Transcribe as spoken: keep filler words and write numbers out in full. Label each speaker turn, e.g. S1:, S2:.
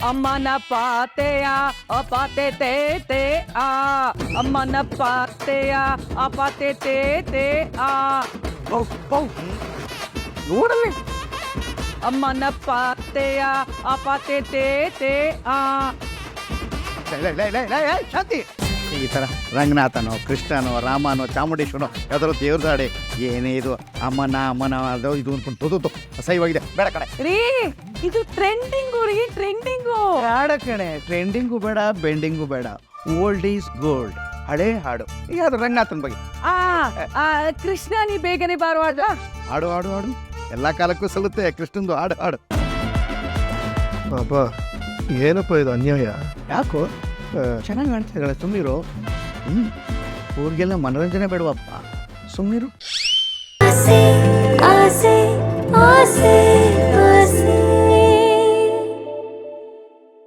S1: ಅಮ್ಮನ ಪಾತೆಯ ಅಪಾತೆ ತೇ ತೇ ಆ ಅಮ್ಮನ ಪಾತೆಯ ಅಪಾತೆ ತೇ ತೇ ಆ
S2: ನೋಡಲಿ
S1: ಅಮ್ಮನ ಪಾತೆಯ ಅಪಾತೆ ತೇ ತೇ ಆ.
S2: ಶಾಂತಿ ಈ ಥರ ರಂಗನಾಥನೋ ಕೃಷ್ಣನೋ ರಾಮನೋ ಚಾಮುಂಡೇಶ್ವರನೋ ಯಾವ್ದಾದ್ರು ದೇವ್ರದಾಡೆ ಏನೇ ಇದು ಅಮ್ಮನ ಅಮ್ಮನ ಅದು ಇದು ಅನ್ಕೊಂಡು ತೋದು ಅಸಹ್ಯವಾಗಿದೆ ಬೇಡ ಕಡೆ
S1: ರೀ ಇದು ಟ್ರೆಂಡಿಂಗು ರೀ ಟ್ರೆಂಡಿಂಗು.
S2: ಬೇಡ ಕಣೆ ಟ್ರೆಂಡಿಂಗು ಬೇಡ ಬೆಂಡಿಂಗು ಬೇಡ ಓಲ್ಡ್ ಈಸ್ ಗೋಲ್ಡ್ ಹಳೇ ಹಾಡು ಈಗ ಅದು ರಂಗನಾಥನ ಬಗ್ಗೆ
S1: ಆ ಆ, ಕೃಷ್ಣ ನೀ ಬೇಗನೆ ಬಾರುವಾಗ
S2: ಹಾಡು ಹಾಡು ಹಾಡು ಎಲ್ಲ ಕಾಲಕ್ಕೂ ಸಲ್ಲುತ್ತೆ ಕೃಷ್ಣಂದು ಹಾಡು ಹಾಡು
S3: ಅಪ್ಪ ಏನಪ್ಪ ಇದು ಅನ್ಯಾಯ.
S2: ಯಾಕೋ ಚೆನ್ನಾಗಿ ಕಾಣ್ತಿದ್ದಾಳೆ ಸುಮ್ಮನಿರು. ಹ್ಞೂ ಊರಿಗೆಲ್ಲ ಮನೋರಂಜನೆ ಬೇಡವಪ್ಪ ಸುಮ್ಮನಿರು.
S4: ಆಸೆ ಆಸೆ ಆಸೆ ಆಸೆ